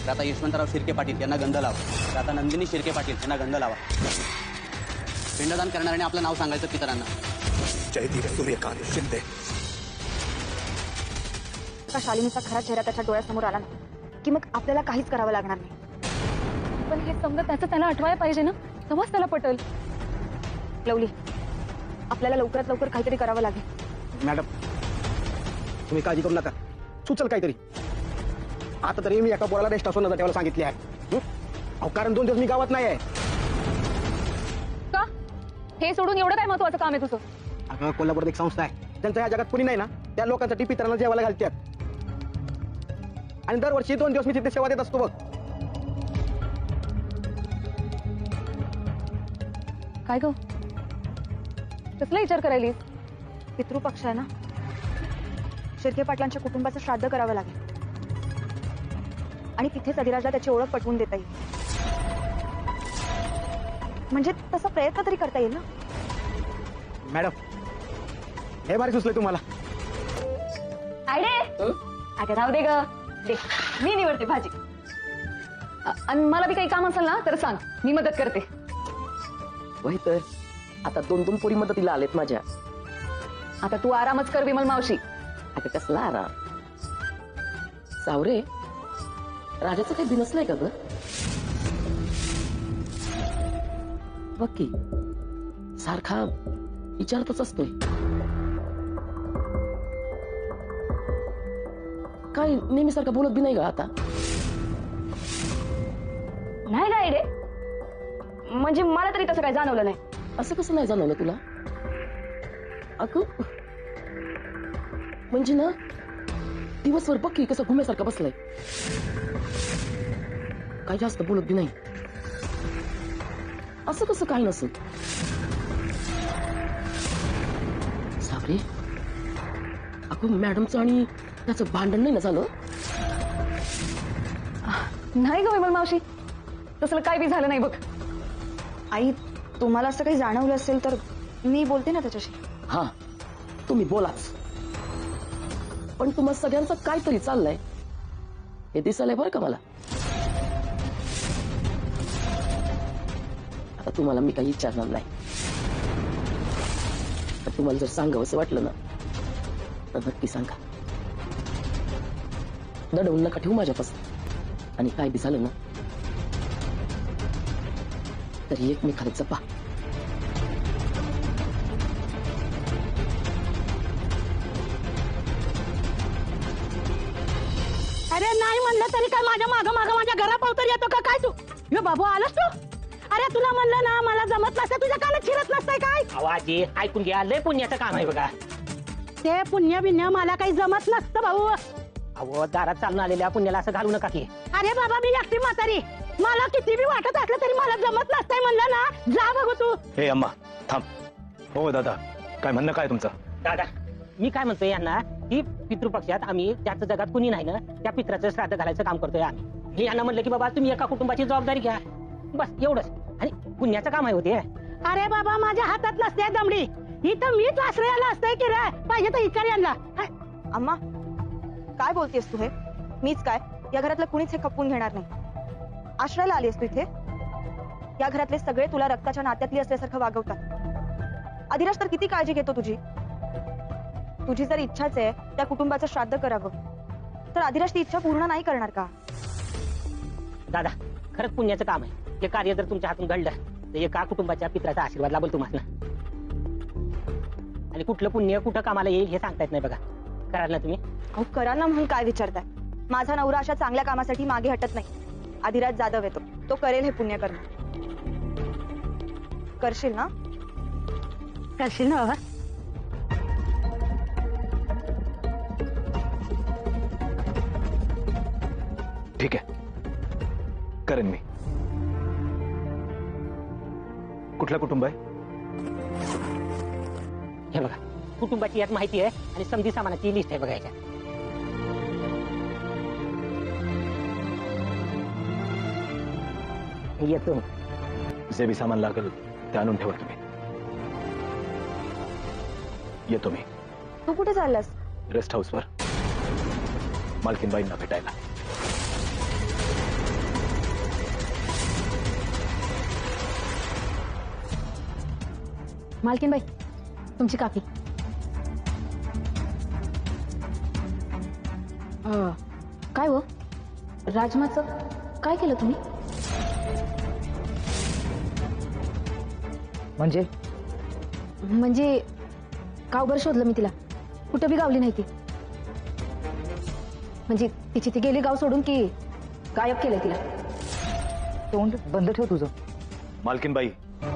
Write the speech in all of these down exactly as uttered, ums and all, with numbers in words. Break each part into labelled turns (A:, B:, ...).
A: तर आता यशवंतराव शिर्के पाटील यांना गंध लावा. तर आता नंदिनी शिर्के पाटील यांना गंध लावा. पिंडदान करणाऱ्याने आपलं नाव सांगायचं पितरांना.
B: जयदीप सूर्यकांत शिंदे.
C: का शालिनीचा खरा चेहरा त्याच्या डोळ्यासमोर आला ना की मग आपल्याला काहीच करावं लागणार नाही.
D: पण हे समजा त्याचं त्याला आठवायला पाहिजे ना, तेव्हाच त्याला पटेल.
C: लवली, आपल्याला लवकरात लवकर काहीतरी करावं लागेल.
E: मॅडम तुम्ही काळजी करू नका, सुचल काहीतरी. आता तरी मी एका पोराला रेस्ट हाऊसवर नजर ठेवायला सांगितली आहे. अहो कारण दोन दिवस मी गावात नाही आहे.
D: का हे सोडून एवढं काय महत्वाचं काम आहे तुझं?
E: अगं कोल्हापूरात एक संस्था आहे त्यांच्या या जगात कुणी नाही ना, त्या लोकांसाठी पितरांना जेवायला घालतात. आणि दरवर्षी दोन दिवस मी तिथे सेवा देत असतो बघ.
D: काय ग, कसला विचार करायलीस?
C: पितृपक्ष आहे ना, शिर्के पाटलांच्या कुटुंबाचं श्राद्ध करावं लागेल आणि तिथेच अधिराजला त्याची ओळख पटवून देता येईल. म्हणजे तसा प्रयत्न तरी करता येईल ना.
E: मॅडम हे भारी सुचलंय तुम्हाला.
D: आयडे अगं राहू दे ग, दे मी निवडते भाजी. अ- आणि मला बी काही काम असेल ना तर सांग, मी मदत करते.
F: वही तर आता दोन दोन पोरी मदतीला आलेत माझ्या.
D: आता तू आरामच कर विमल मावशी.
F: आता कसला आराम? सावरे, राजाचं काही बिनसलंय का ग? बघ की सारखा विचारतच असतोय. काय नेहमीसारखा बोलत बी नाही का आता?
D: नाही का आयडे, म्हणजे मला तरी तसं काय जाणवलं नाही.
F: असं कसं नाही जाणवलं तुला? अगं म्हणजे ना दिवसभर बघ की कसं घुम्यासारखा बसलाय. काय जास्त बोलत बी नाही. असं कसं काय नसेल? साबरे, अगं मॅडमचं आणि त्याचं भांडण नाही ना झालं?
D: नाही ग विमल मावशी, तसलं काय बी झालं नाही बघ.
C: आई, तुम्हाला असं काही जाणवलं असेल तर मी बोलते ना त्याच्याशी.
F: हा तुम्ही बोलाच, पण तुम्हा सगळ्यांचं काहीतरी चाललंय हे दिसायलंय बरं का मला. आता तुम्हाला मी काही विचारणार नाही, पण तुम्हाला जर सांगावं असं वाटलं ना तर नक्की सांगा. दडवून नका ठेवू माझ्यापासून. आणि काय बी झालं ना तरी एकमेकाला जपा.
G: अरे नाही म्हणलं तरी काय माझ्या माग माग माझ्या घरापावतर येतो का काय तू? यो बाबू आलास तू? अरे तुला म्हणलं ना मला जमत नसतं, तुझ्या कानात शिरत नसतंय काय?
H: आवाजी ऐकून घ्या, लय पुण्याचं काम आहे बघा.
G: ते पुण्य बिन्य मला काही जमत नसतं भाऊ.
H: अहो दारात चालून आलेल्या पुण्याला असं घालू नका की.
G: अरे बाबा मी एकटी म्हातारी, मला किती बी वाटत असलं तरी मला जमत नसतंय म्हणलं ना. जा बघू तू.
B: हे अम्मा थांब. हो दादा, काय म्हणणं काय तुमचं?
H: दादा मी काय म्हणतोय यांना की पितृपक्षात आम्ही ज्याचं जगात कुणी नाही ना त्या पित्राचं श्राद्ध घालायचं काम करतोय आम्ही. हे यांना म्हणलं की बाबा तुम्ही एका कुटुंबाची जबाबदारी घ्या, बस एवढंच. आणि पुण्याचं काम आहे होते.
G: अरे बाबा माझ्या हातात नसते दमडी, इथं मीच आश्रयाला असतंय की रे, पाहिजे तर इकडे यांना.
C: अम्मा काय बोलतेस तू? हे मीच काय, या घरातलं कुणीच हे खपवून घेणार नाही. आश्रयाला आलीस तू इथे? या घरातले सगळे तुला रक्ताच्या नात्यातली असल्यासारखं वागवतात. अधिराज तर किती काळजी घेतो तुझी. तुझी जर इच्छाच आहे त्या कुटुंबाचं श्राद्ध करावं, तर अधिराज ती इच्छा पूर्ण नाही करणार का?
H: दादा खरंच पुण्याचं काम आहे. हे कार्य जर तुमच्या हातून घडलं तर एका कुटुंबाच्या पित्राचा आशीर्वाद लाभेल तुम्हाला. आणि कुठलं पुण्य कुठं कामाला येईल हे सांगता येत नाही बघा. कराल ना तुम्ही?
C: अहो कराल ना म्हणून काय विचारताय? माझा नवरा अशा चांगल्या कामासाठी मागे हटत नाही. अधिराज जाधव येतो, तो करेल हे पुण्य करणं. करशील ना?
G: करशील ना बाबा?
B: ठीक आहे, करेन मी. कुठलं कुटुंब आहे?
H: हे बघा कुटुंबाची यात माहिती आहे आणि समधी सामानाची लिस्ट आहे बघा याच्यात. येतो.
B: जे बी सामान लागेल ते आणून ठेवा तुम्ही. येतो मी.
C: तू कुठे चाललास?
B: रेस्ट हाऊसवर मालकीनबाईंना भेटायला.
D: मालकीनबाई तुमची काकी. अं, काय हो राजमाचं काय केलं तुम्ही?
F: म्हणजे
D: म्हणजे गावभर शोधलं मी तिला, कुठं बी गावली नाही ती. म्हणजे तिची ती गेली गाव सोडून की गायब केलं तिला?
F: तोंड बंद ठेव तुझं.
B: मालकीनबाई,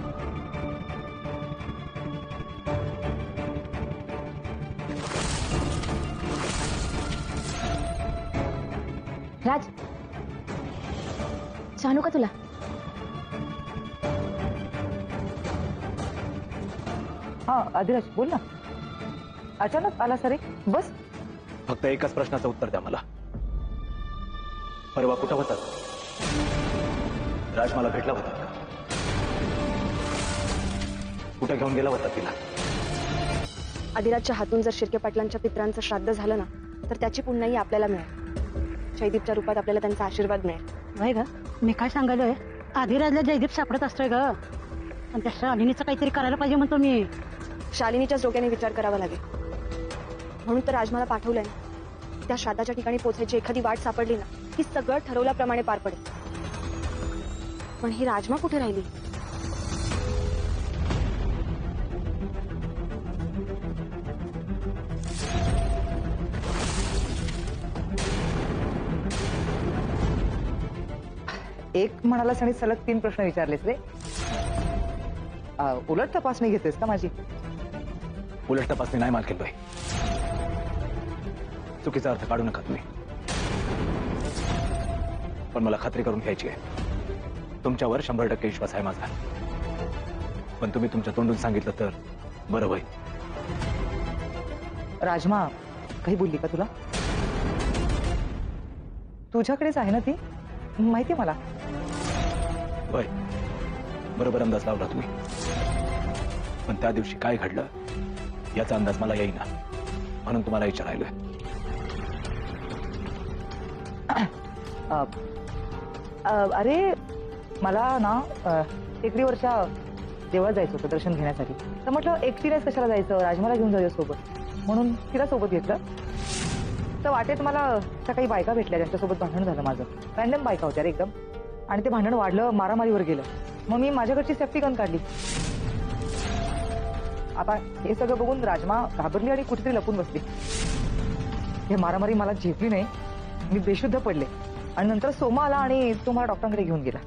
D: राज जानू का तुला?
F: हा आदिराज बोल ना. अचानक आला सरे बस.
B: फक्त एकाच प्रश्नाचं उत्तर द्या मला. परवा कुठं होतात? राज मला भेटला होता का? कुठे घेऊन गेला होता तिला?
C: आदिराजच्या हातून जर शिर्के पाटलांच्या पित्रांचं श्राद्ध झालं ना तर त्याची पुण्याही आपल्याला मिळेल. जयदीपच्या रूपात आपल्याला त्यांचा आशीर्वाद मिळेल.
G: वय ग मी काय सांगालोय, आधीराजला जयदीप सापडत असतोय ग, आणि त्या शालिनीचं काहीतरी करायला पाहिजे म्हणतो मी.
C: शालिनीच्याच डोक्याने विचार करावा लागेल. म्हणून तर राजमाला पाठवलंय ना. त्या श्राद्धाच्या ठिकाणी पोहोचायची एखादी वाट सापडली ना की सगळं ठरवल्याप्रमाणे पार पडेल. पण ही राजमा कुठे राहिली?
F: एक म्हणालास आणि सलग तीन प्रश्न विचारलेस रे. आ, उलट तपासणी घेतेस का माझी?
B: उलट तपासणी नाही मालकीनबाई. चुकीचा अर्थ काढू नका तुम्ही. पण मला खात्री करून घ्यायची आहे. तुमच्यावर शंभर टक्के विश्वास आहे माझा. पण तुम्ही तुमच्या तोंडून सांगितलं तर बरं होईल.
F: राजमा काही बोलली का तुला? तुझ्याकडेच आहे ना ती, माहिती मला.
B: होय, बरोबर अंदाज लावला तुम्ही. पण त्या दिवशी काय घडलं याचा अंदाज मला येईना, म्हणून तुम्हाला विचारायलोय.
F: अ, अ, अरे मला ना अ, टेकडीवरच्या देवळात जायचं होतं दर्शन घेण्यासाठी. तर म्हटलं एकटीनेच कशाला जायचं, राजमाला घेऊन जाऊया सोबत, म्हणून तिला सोबत घेतलं. तर वाटेत मला त्या काही बायका भेटल्या, त्यांच्यासोबत भांडण झालं माझं. रॅन्डम बायका होत्या रे एकदम, आणि ते भांडण वाढलं, मारामारीवर गेलं. मग मी माझ्याकडची सेफ्टी गन काढली. आता हे सगळं बघून राजमा घाबरली आणि कुठेतरी लपून बसली. हे मारामारी मला झेपली नाही, मी बेशुद्ध पडले. आणि नंतर सोमा आला आणि तो मला डॉक्टरांकडे घेऊन गेला.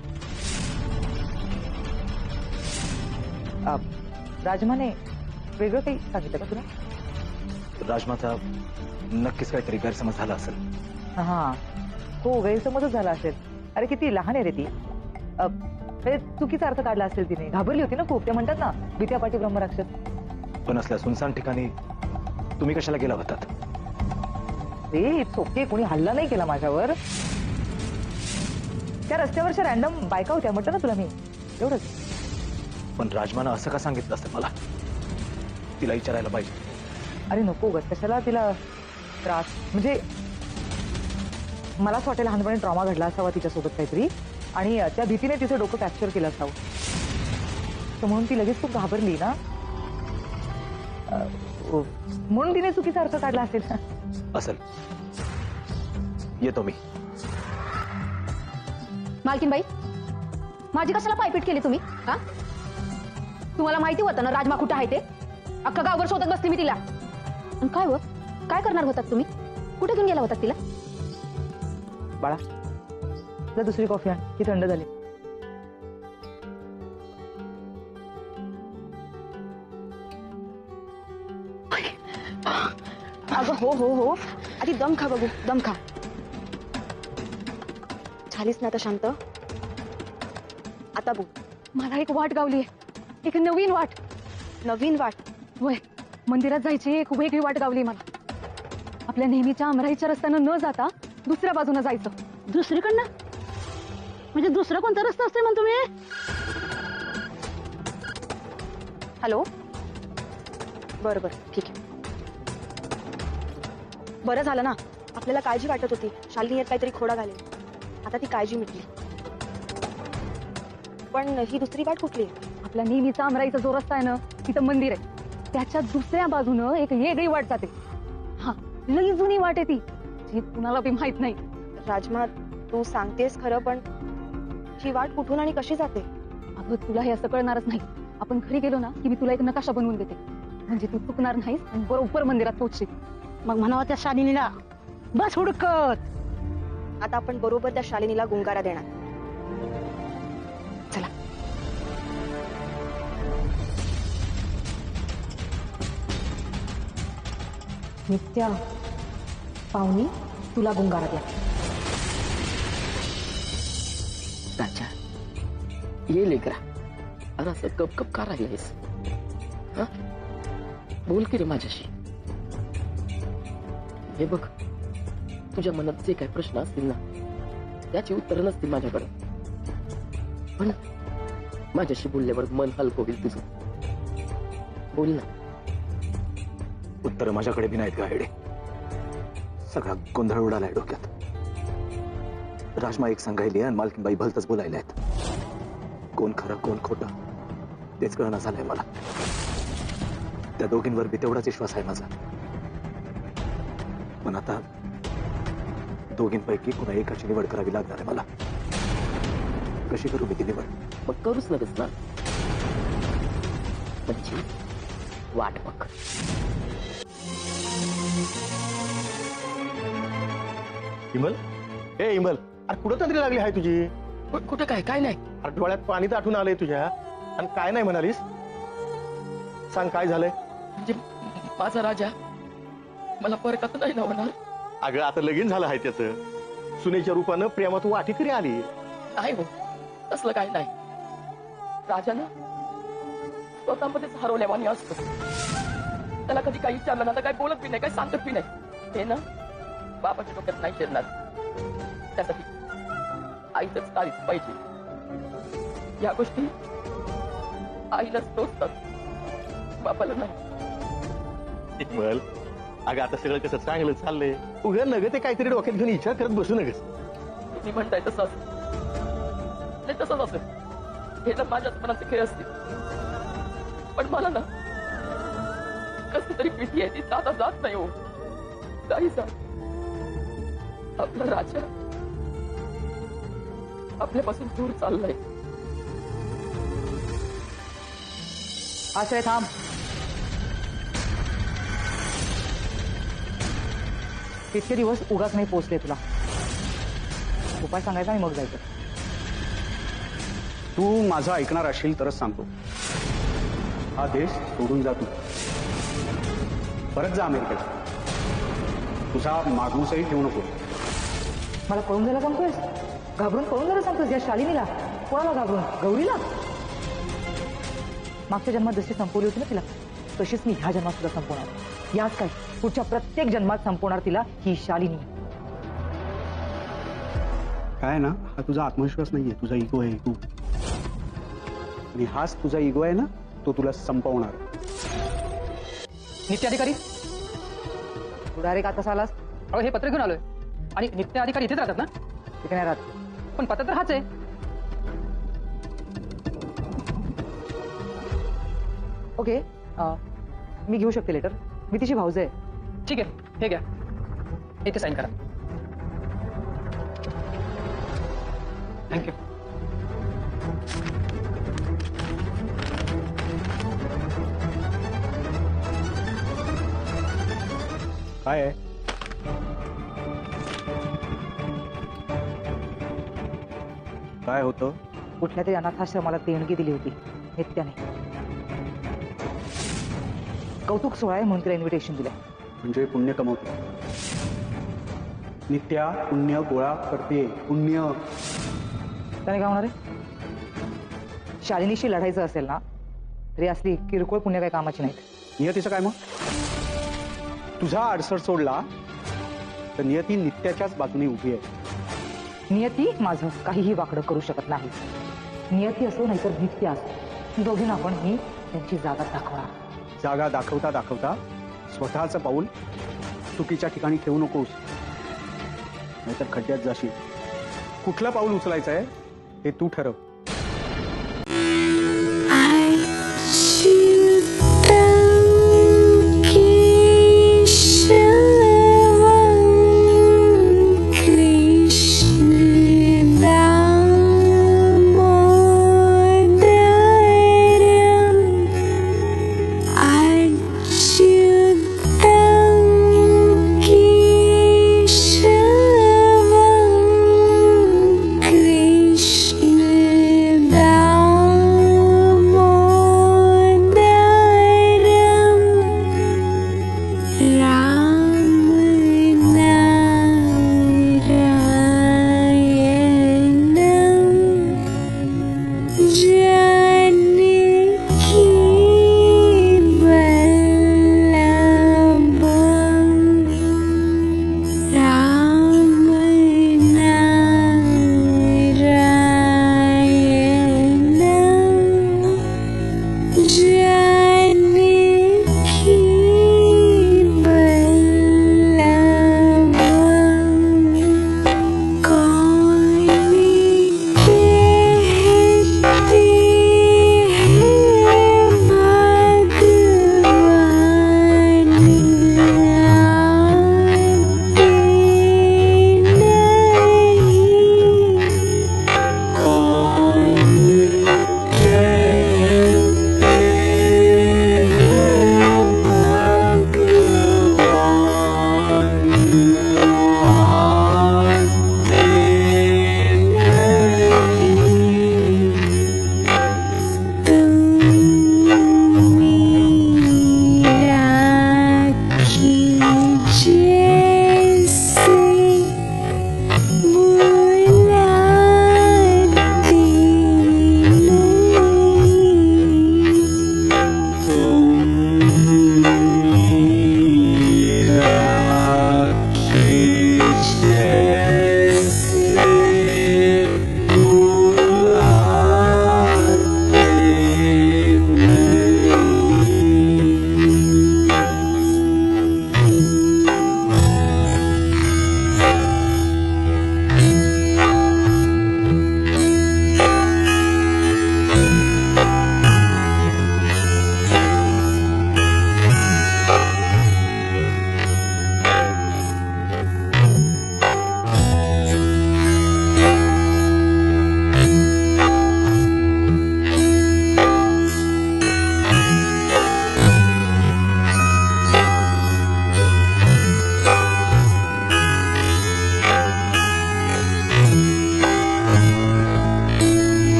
F: अ, राजमाने वेगळं काही सांगितलं का तुला?
B: राजमाचा नक्कीच काहीतरी गैरसमज झाला असेल.
F: हा हो, गैरसमजच झाला असेल. अरे किती लहान आहे रे ती. अ, म्हणजे चुकीचा अर्थ काढला असेल तिने. घाबरली होती ना खूप. ते म्हणतात ना भीत्यापाठी ब्रह्मराक्षस.
B: पण असल्या सुनसान ठिकाणी तुम्ही कशाला गेला होतात?
F: रे इट्स ओके, कोणी हल्ला नाही केला माझ्यावर. त्या रस्त्यावरच्या रॅन्डम बायका होत्या म्हटलं ना तुला मी, एवढंच.
B: पण राजमानं असं का सांगितलं असतं मला? तिला विचारायला पाहिजे.
F: अरे नको ग, कशाला तिला त्रास. म्हणजे मलाच वाटेल लहानपणी ट्रॉमा घडला असावा तिच्यासोबत काहीतरी, आणि त्या भीतीने तिचं डोकं कॅप्चर केलं असावं. तर म्हणून ती लगेच खूप घाबरली ना, म्हणून तिने चुकीचा अर्थ काढला असेल.
B: असेल. येतो मी.
D: मालकीनबाई माझी कशाला पायपीट केली तुम्ही? हा, तुम्हाला माहिती होतं ना राजमा कुठं आहे ते? अख्खा गावभर शोधत बसली मी तिला. आणि काय हो, काय करणार होतात तुम्ही? कुठे घेऊन गेला होतात तिला?
F: बाळा जा दुसरी कॉफी आण, ती थंड झाली.
C: अगं हो हो हो, आधी दम खा बघू, दम खा. झालीस ना आता शांत? आता बोल.
D: मला एक वाट गावली, एक नवीन वाट.
C: नवीन वाट?
D: होय, मंदिरात जायची एक वेगळी वाट गावली मला. आपल्या नेहमीच्या अमराईच्या रस्त्यानं न जाता दुसऱ्या बाजूने जायचं.
G: दुसरीकडनं म्हणजे दुसरा कोणता रस्ता असतोय म्हणतो तुम्ही?
C: हॅलो, बरं बरं ठीक आहे. बरं झालं ना, आपल्याला काळजी वाटत होती शालिनी यात काहीतरी खोडा घालेल. आता ती काळजी मिटली. पण ही दुसरी वाट कुठली आहे?
D: आपल्या नेहमीचा अमराईचा जो रस्ता आहे ना तिथं मंदिर आहे, त्याच्या दुसऱ्या बाजूनं एक वेगळी वाट जाते. हा, लई जुनी वाट आहे ती, जी कुणाला बी माहित नाही.
C: राजमा, तू सांगतेस खरं, पण ही वाट कुठून आणि कशी जाते?
D: अगं तुला हे असं कळणारच नाही. आपण घरी गेलो ना की मी तुला एक नकाशा बनवून देते, म्हणजे तू चुकणार नाहीस आणि बरोबर मंदिरात पोहोचशील.
G: मग म्हणावं त्या शालिनीला बस हुडकत.
C: आता आपण बरोबर त्या शालिनीला गुंगारा देणार.
D: चला. नित्या, पाहुणी, तुला गुंगारा द्या.
I: राजा, ये लेकरा. अरे असं कप कप का राहिलायस? हा, बोल की रे माझ्याशी. हे बघ, तुझ्या मनात जे काही प्रश्न असतील ना, त्याची उत्तरं नसतील माझ्याकडे, पण माझ्याशी बोलल्यावर मन हलकं होईल तुझं. बोल ना.
B: उत्तर माझ्याकडे बी नाहीत का हेडे? सगळा गोंधळ उडालाय डोक्यात. राजमा एक सांगायली आणि मालकीनबाई भलतच बोलायला आहेत. कोण खरं कोण खोटं तेच कळणं झालंय मला. त्या दोघींवर बी तेवढाच विश्वास आहे माझा, पण आता दोघींपैकी कुणा एकाची निवड करावी लागणार आहे मला. कशी करू मी ती निवड?
I: मग करूच नकोस ना, म्हणजे वाट बघ.
E: इमल, ए इमल, अरे कुठं तंद्री लागली आहे तुझी?
I: कु- कुठं काय काय नाही.
E: अरे डोळ्यात पाणी तर आठवून आलंय तुझ्या, आणि काय नाही म्हणालीस? सांग काय झालंय?
I: म्हणजे माझा राजा मला परकत नाही ना होणार.
E: अगं आता लगीन झालं आहे त्याचं. सुनेच्या रूपानं प्रेमात वाटी करी आली.
I: नाही हो, तसलं काही नाही. राजानं स्वतःमध्येच हरवल्यावानी असतो. त्याला कधी काही विचारलं ना तर काही बोलत बी नाही, काही सांगत बी नाही. हे ना बाबाच्या डोक्यात नाही शिरणार. त्यासाठी आईच तारीफ पाहिजे. या गोष्टी आईलाच टोचतात, बापाला नाही.
E: इमल, अगं आता सगळं कसं चांगलं चाललंय. उघड नग ते काहीतरी डोक्यात घेऊन विचार करत बसू नगस.
I: तुम्ही म्हणताय तसं असेल, नाही तसंच असेल. हे तर माझ्याच मनाचे खेळ असतील, पण मला ना कसं तरी भीती आहे. ती जाता जात नाही हो. काही जा, आपला राजा आपल्यापासून दूर चाललाय.
F: आश्रय थांब. इतके दिवस उगाच नाही पोचले तुला. उपाय सांगायचा आणि मग जायचं.
J: तू माझं ऐकणार असशील तरच सांगतो. हा देश सोडून जा तू. परत जा अमेरिकेला. तुझा मागूसही ठेवू नको.
F: मला पळून जायला सांगतोयस? घाबरून पळून जायला सांगतोयस? या शालिनीला? कोणाला घाबरून? गौरीला? मागच्या जन्मात जशी संपवली होती ना तिला, तशीच मी ह्या जन्मात सुद्धा संपवणार. याच काय, पुढच्या प्रत्येक जन्मात संपवणार तिला ही शालिनी.
J: काय ना, हा तुझा आत्मविश्वास नाहीये, तुझा इगो आहे तू. आणि हाच तुझा इगो आहे ना, तो तुला संपवणार.
K: नित्य अधिकारी,
F: तू डायरेक्ट आता आलास?
K: अहो हे पत्र घेऊन आलोय. आणि नित्य अधिकारी इथेच राहतात ना?
F: तिथे नाही राहत.
K: पण पत्र तर हाच आहे.
F: ओके, अं, मी घेऊ शकते लेटर. मी तिची भाऊज आहे.
K: ठीक आहे, हे घ्या, इथे साईन करा. थँक्यू.
J: काय आहे? काय होतं?
F: कुठल्या तरी अनाथाश्रमाला देणगी दिली होती नित्याने. कौतुक सोहळा आहे म्हणून तिला इन्व्हिटेशन दिलं.
J: म्हणजे पुण्य कमवते. नित्या पुण्य गोळा करते. पुण्य.
F: त्याने काय होणार आहे? शालिनीशी लढायचं असेल ना, तरी असली किरकोळ पुण्य काही कामाची नाहीत.
J: नियतीचं काय मग? तुझा अडसर सोडला तर नियती नित्याच्याच बाजूने उभी आहे.
F: नियती माझं काहीही वाकडं करू शकत नाही. नियती असो नाहीतर नित्य असो, दोघींना आपण मी त्यांची जागा दाखवणार.
J: जागा दाखवता दाखवता स्वतःचं पाऊल चुकीच्या ठिकाणी ठेवू नकोस, नाहीतर खड्ड्यात जाशील. कुठलं पाऊल उचलायचं आहे हे तू ठरव.